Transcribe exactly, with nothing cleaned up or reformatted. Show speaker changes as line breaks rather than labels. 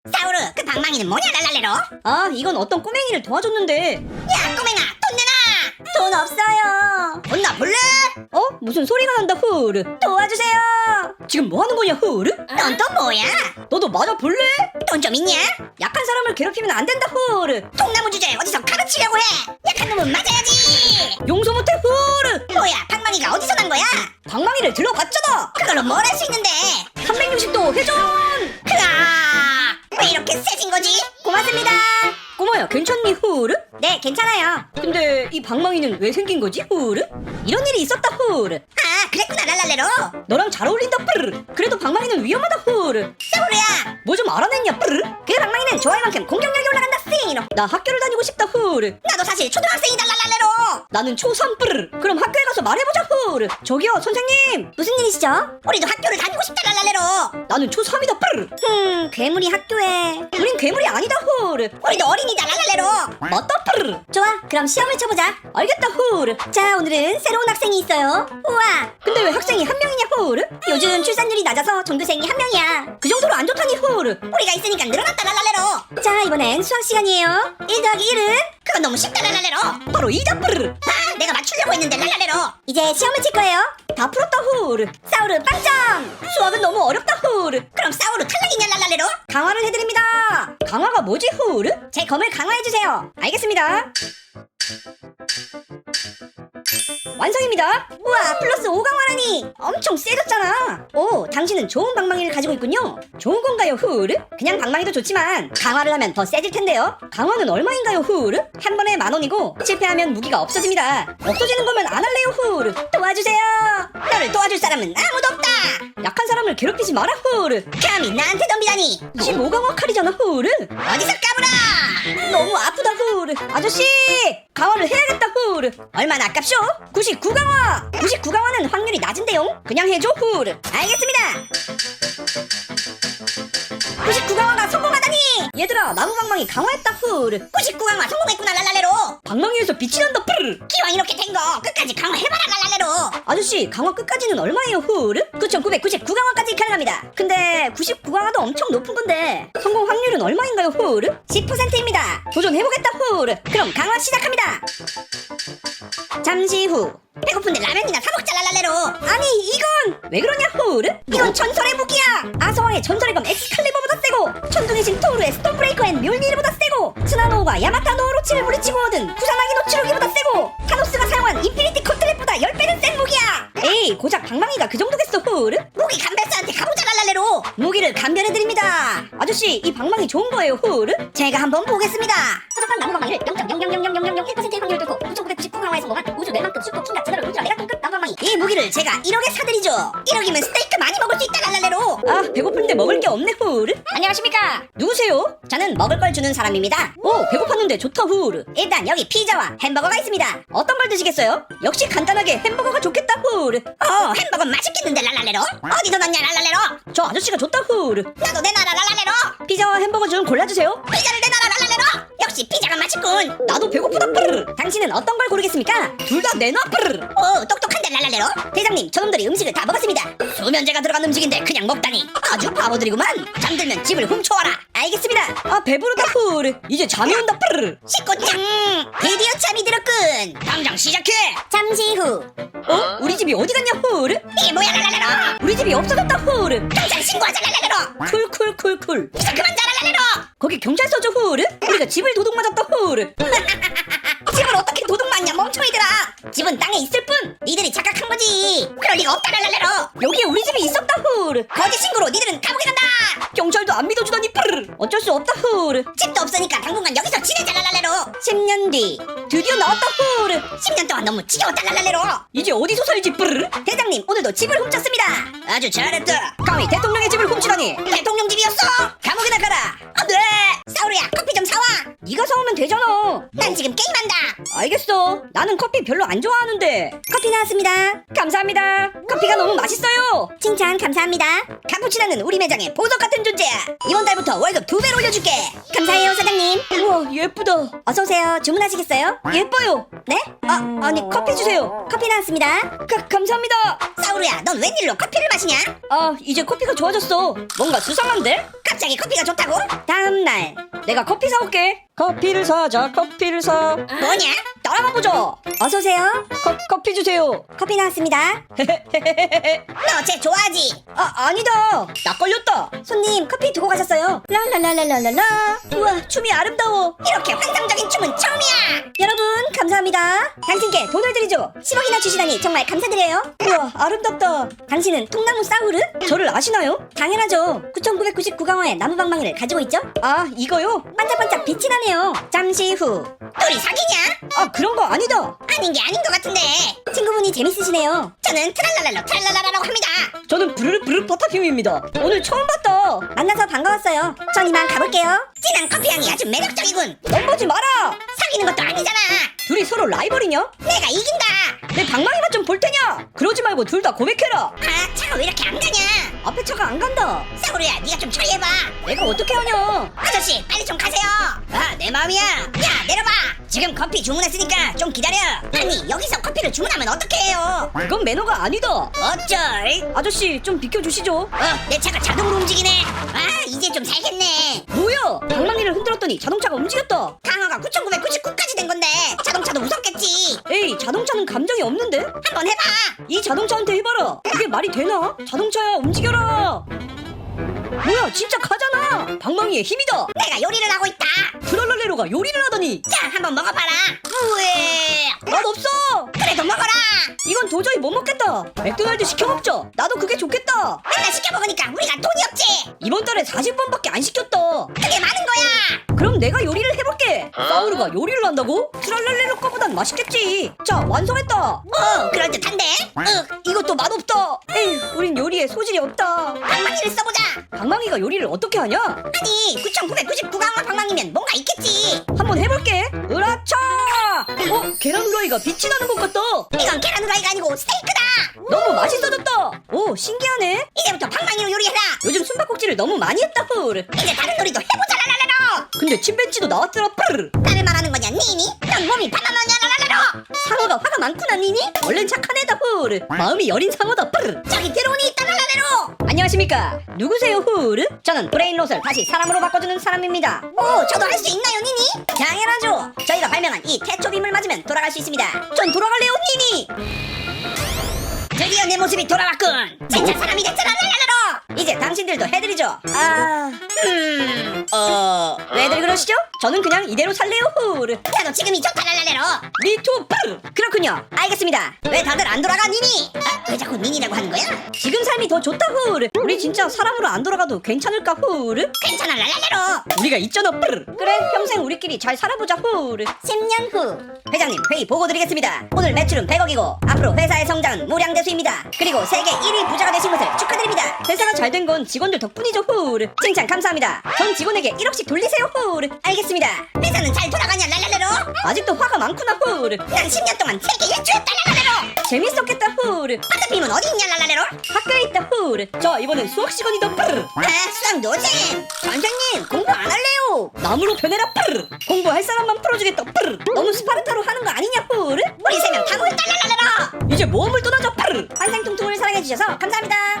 사우르, 그 방망이는 뭐냐 랄랄레로?
아, 이건 어떤 꼬맹이를 도와줬는데.
야 꼬맹아, 돈 내놔!
돈 없어요.
돈 나 볼래?
어? 무슨 소리가 난다 후르. 도와주세요. 지금 뭐 하는 거냐 후르?
넌 또 뭐야?
너도 맞아 볼래?
돈 좀 있냐?
약한 사람을 괴롭히면 안 된다 후르.
통나무 주제에 어디서 가르치려고 해? 약한 놈은 맞아야지!
용서 못해 후르.
뭐야, 방망이가 어디서 난 거야?
방망이를 들러봤잖아.
그걸로 뭘 할 수 있는데?
삼백육십 도 회전.
크아! 왜 이렇게 세진 거지?
고맙습니다. 꼬마야 괜찮니 후르?
네, 괜찮아요.
근데 이 방망이는 왜 생긴 거지 후르? 이런 일이 있었다 후르.
아, 그랬구나 랄랄레로.
너랑 잘 어울린다 뿌르르. 그래도 방망이는 위험하다 후르.
사우르야,
뭐 좀 알아냈냐 뿌르르?
그 방망이는 좋아할 만큼 공격력이 올라간다 싱이로.
나 학교를 다니고 싶다 후르.
나도 사실 초등학생이다 랄랄레로.
나는 초삼 뿌르르. 그럼 학교에 가서 말해보자 후르. 저기요 선생님.
무슨 일이시죠? 우리도 학교를 다니고 싶다 랄랄레로.
나는 초삼이다 뿌르르.
흠, 괴물이 학교에.
우린 괴물이 아니다 후르.
우리도 어린이다 랄랄레로.
맞다 뿌르르.
좋아, 그럼 시험을 쳐보자.
알겠다 후르.
자, 오늘은 새로운 학생이 있어요. 우와,
근데 왜 학생이 한 명이냐 후르?
요즘 출산율이 낮아서 전교생이 한 명이야.
그 정도로 안 좋다니 후르.
우리가 있으니까 늘어났다 랄랄레로. 자, 이번엔 수학 시간이에요. 일 더하기 일은? 그건 너무 쉽다 랄랄레로.
바로 이다 뿌르르.
아, 내가 맞추려고 했는데 랄랄레로. 이제 시험을 칠 거예요.
다 풀었다 후르.
사우르 빵점.
수학은 너무 어렵다 후르.
그럼 사우르 탈락이냐 랄랄레로?
강화를 해드립니다. 강화가 뭐지 후르?
제 검을 강화해주세요.
알겠습니다. 완성입니다.
우와, 플러스 오 강화라니.
엄청 세졌잖아. 오, 당신은 좋은 방망이를 가지고 있군요. 좋은 건가요, 후르? 그냥 방망이도 좋지만 강화를 하면 더 세질 텐데요. 강화는 얼마인가요, 후르? 한 번에 만 원이고 실패하면 무기가 없어집니다. 없어지는 거면 안 할래요, 후르.
도와주세요. 너를 도와줄 사람은 아무도 없다.
약한 사람을 괴롭히지 마라, 후르.
감히 나한테 덤비다니.
십오 강화 칼이잖아, 후르.
어디서 까불어.
너무 아프다, 후르. 아저씨, 강화를 해야겠다, 후르. 얼마나 아깝쇼? 구십구 강화. 구십구 강화는 확률이 낮은데요. 그냥 해줘, 후르.
알겠습니다. 구십구 강화가 성공하다니.
얘들아, 나무 방망이 강화했다, 후르.
구십구 강화 성공했구나 랄랄레로.
방망이에서 빛이 난다, 뿌르르.
기왕 이렇게 된 거 끝까지 강화해봐라 랄랄레로.
아저씨, 강화 끝까지는 얼마예요, 후르?
구천구백구십구 강화까지 가능합니다.
근데 구십구 강화도 엄청 높은 건데 성공 확률은 얼마인가요, 후르?
십 퍼센트입니다.
도전해보겠다, 후르.
그럼 강화 시작합니다.
잠시 후.
배고픈데 라면이나 사먹자 랄랄레로.
아니, 이건 왜 그러냐, 후르?
이건 전설의 무기야.
아서와의 전설의 검 엑스칼리버보다 세고 천둥의 신 토르의 스톤브레이커 앤 뮬미르보다 세고 스나노우가 야마타노 오로치를 물리치고 얻은 구사나기 노치루기보다 세고 타노스가 사용한 인피니티 커틀렛보다 십 배는 센 무기야. 에이, 고작 방망이가 그 정도겠어, 후르?
무기 감별사한테 가보자 랄랄레로.
무기를 감별해드립니다. 아저씨, 이 방망이 좋은 거예요, 후르?
제가 한번 보겠습니다. 허접한 나무 방망이를 영 점 영영영영영영일 퍼센트의 확률을 뚫고 구천구백구십구 강화에 성공한 우주 뇌만급 슈퍼 킹갓 제너럴 울트라 메가톤급 나무 방망이. 이 무기를 제가 일억에 사드리죠. 일억이면 스테이크 많이 먹을 수 있다 랄랄레로.
아, 배고픈데 먹을 게 없네, 후르.
안녕하십니까.
누구세요?
저는 먹을 걸 주는 사람입니다.
오, 배고팠는데 좋다, 후르.
일단 여기 피자와 햄버거가 있습니다.
어떤 걸 드시겠어요? 역시 간단하게 햄버거가 좋겠다, 후르.
어, 햄버거 맛있겠는데 랄랄레로. 어디서 났냐 랄랄레로.
저 아저씨가 좋다, 후르.
나도 내놔라 랄랄레로.
피자와 햄버거 좀 골라주세요.
피자를 내놔라 랄랄레로. 역시 피자가 맛있군.
나도 배고프다, 뿌르르.
당신은 어떤 걸 고르겠습니까?
둘 다 내놔, 뿌르르.
오, 똑똑한데 랄랄레로. 대장님, 저놈들이 음식을 다 먹었습니다. 수면제가 들어간 음식인데 그냥 먹다니 아주 바보들이구만. 잠들면 집을 훔쳐와라. 알겠습니다.
아, 배부르다, 후르. 이제 잠이 온다, 뿌르르.
식구짱, 드디어 잠이 들었군. 당장 시작해. 잠시 후.
어? 우리 집이 어디 갔냐, 후르?
이게 뭐야 랄랄레로.
우리 집이 없어졌다, 후르.
당장 신고하자 랄랄레로.
쿨쿨쿨쿨.
이제 그만 자 랄랄레로.
거기 경찰서죠, 후르? 우리가 집을 도둑 맞았다, 후르.
집을 어떻게 도둑 맞냐 멍청이들아. 집은 땅에 있을 뿐 니들이 착각한 거지. 그럴 리가 없다 랄랄레로.
여기에 우리 집이 있었다, 후르.
거짓 신고로 니들은 감옥에 간다.
경찰도 안 믿어주다니, 뿌르르. 어쩔 수 없다, 후르.
집도 없으니까 당분간 여기서 지내자 랄랄레로.
십 년 뒤. 드디어 나왔다, 후르.
십 년 동안 너무 지겨웠다 랄랄레로.
이제 어디서 살지, 뿌르르?
대장님, 오늘도 집을 훔쳤습니다. 아주 잘했다.
감히 대통령의 집을 훔치다니.
대통령 집이었어. 감옥에 나가라. 안돼. 사우르야, 커피 좀 사와.
네가 사오면 되잖아.
난 지금 게임한다.
알겠어. 나는 커피 별로 안 좋아하는데.
커피 나왔습니다.
감사합니다. 커피가 너무 맛있어요.
칭찬 감사합니다. 카푸치노는 우리 매장의 보석 같은 존재야. 이번 달부터 월급 두 배로 올려줄게. 감사해요 사장님.
우와, 예쁘다.
어서 오세요. 주문하시겠어요?
예뻐요.
네?
아, 아니 커피 주세요.
커피 나왔습니다.
가, 감사합니다.
사우루야, 넌 웬일로 커피를 마시냐?
아, 이제 커피가 좋아졌어. 뭔가 수상한데?
갑자기 커피가 좋다고?
다음 날 내가 커피 사올게. 커피를 사자, 커피를 사.
뭐냐?
따라가 보자.
어서 오세요.
커, 커피 주세요.
커피 나왔습니다. 너 쟤 좋아하지?
아, 아니다. 나 걸렸다.
손님 커피 두고 가셨어요.
랄랄랄랄랄라. 우와, 춤이 아름다워.
이렇게 환상적인 춤은 처음이야.
여러분, 감사합니다.
당신께 돈을 드리죠. 십억이나 주시다니 정말 감사드려요.
우와, 아름답다.
당신은 통나무 사우르?
저를 아시나요?
당연하죠. 구천구백구십구 강화의 나무방망이를 가지고 있죠?
아, 이거요?
반짝반짝 빛이 나네요. 잠시 후 둘이 사귀냐?
아, 그런 거 아니다.
아닌 게 아닌 것 같은데. 친구분이 재밌으시네요. 저는 트랄랄랄로 트랄랄라라고 합니다.
저는 부르르 부르 버터핌입니다. 오늘 처음 봤다.
만나서 반가웠어요. 전 이만 가볼게요. 진한 커피 향이 아주 매력적이군.
넘보지 마라.
사귀는 것도 아니잖아.
둘이 서로 라이벌이냐?
내가 이긴다.
내 방망이만 좀 볼 테냐? 그러지 말고 둘 다 고백해라.
아, 차가 왜 이렇게 안 가냐?
앞에 차가 안 간다.
사우루야, 네가 좀 처리해봐.
내가 어떻게 하냐?
아저씨, 빨리 좀 가세요. 아, 내 마음이야. 야, 내려봐. 지금 커피 주문했으니까 좀 기다려. 아니, 여기서 커피를 주문하면 어떻게 해요?
그건 매너가 아니다.
어쩔?
아저씨, 좀 비켜주시죠.
어, 내 차가 자동으로 움직이네. 아, 이제 좀 살겠네.
뭐야? 방망이를 흔들었더니 자동차가 움직였다.
강화가 구천구백구십구까지 된 건데 자동차도 무섭겠지.
에이, 자동차는 감정이 없는데?
한번 해봐.
이 자동차한테 해봐라. 그게 말이 되나? 자동차야, 움직여라. 뭐야, 진짜 가잖아. 방망이의 힘이다.
내가 요리를 하고 있다.
트랄랄레로가 요리를 하다니.
자, 한번 먹어봐라. 우에.
맛 없어.
그래도 먹어라.
이건 도저히 못 먹겠다. 맥도날드 시켜 먹자. 나도 그게 좋겠다.
맨날 시켜 먹으니까 우리가 돈이 없지.
이번 달에 사십 번밖에 안 시켰다.
그게 많은 거야.
그럼 내가 요리를 해볼게. 사우르가 요리를 한다고? 트랄랄레로 거보단 맛있겠지. 자, 완성했다.
오, 그럴듯한데. 윽,
이것도 맛없다. 에이, 우린 요리에 소질이 없다.
방망이를 써보자.
방망이가 요리를 어떻게 하냐?
아니, 구천구백구십구 강화 방망이면 뭔가 있겠지.
한번 해볼게. 으라차! 어? 계란 후라이가 빛이 나는 것 같다.
이건 계란 후라이가 아니고 스테이크다.
너무 맛있어졌다. 오, 신기하네.
이제부터 방망이로 요리해라.
요즘 숨바꼭질을 너무 많이 했다. 푸르.
이제 다른 놀이도 해보자. 랄랄랄로.
근데 침팬지도 나왔더라. 푸르.
나를 말하는 거냐, 니니? 넌 몸이 바나나냐, 랄랄랄로.
상어가 화가 많구나, 니니? 원래는 착한 애다. 푸르. 마음이 여린 상어다. 푸르.
저기 드론이 있다, 랄랄랄로.
안녕하십니까? 누구세요, 후르? 저는 브레인롯을 다시 사람으로 바꿔주는 사람입니다.
오, 저도 할 수 있나요, 니니? 당연하죠. 저희가 발명한 이 태초빔을 맞으면 돌아갈 수 있습니다.
전 돌아갈래요, 니니.
드디어 내 모습이 돌아왔군. 진짜 사람이 됐잖아, 랄랄랄로.
이제 당신들도 해드리죠.
아, 음,
어... 왜들 그러시죠? 저는 그냥 이대로 살래요, 후르.
나도 지금이 좋다, 랄랄랄로.
미투 푸르. 그렇군요.
알겠습니다. 왜 다들 안 돌아가, 니니? 아, 왜 자꾸 니니라고 하는 거야?
지금 삶이 더 좋다, 후르. 우리 진짜 사람으로 안 돌아가도 괜찮을까, 후르?
괜찮아, 랄랄랄로.
우리가 있잖아, 푸르. 그래, 평생 우리끼리 잘 살아보자, 후르.
십 년 후.
회장님, 회의 보고 드리겠습니다. 오늘 매출은 백억이고 앞으로 회사의 성장은 무량대수입니다.
그리고 세계 일 위 부자가 되신 것을 축하드립니다.
회사가 잘 된 건 직원들 덕분이죠, 후르. 칭찬 감사합니다. 전 직원에게 일억씩 돌리세요, 후르.
알겠습니다. 회사는 잘 돌아가냐, 랄랄랄로?
아직도 화가 많구나, 후르.
난 십 년 동안 세계 일주였다, 랄랄랄로.
재밌었겠다, 후르.
버터빔은 어디 있냐, 랄랄랄로?
학교에 있다, 후르. 자, 이번엔 수학 시간이다, 푸르.
아, 수학 노잼. 선생님, 공부 안 할래요.
나무로 변해라, 푸르. 공부할 사람만 풀어주겠다, 푸르. 너무 스파르타로 하는 거 아니냐, 푸르?
우리 세 명 다 모였다, 랄랄랄로.
이제 모험을 떠나자, 푸르.
환상통통을 사랑해주셔서 감사합니다.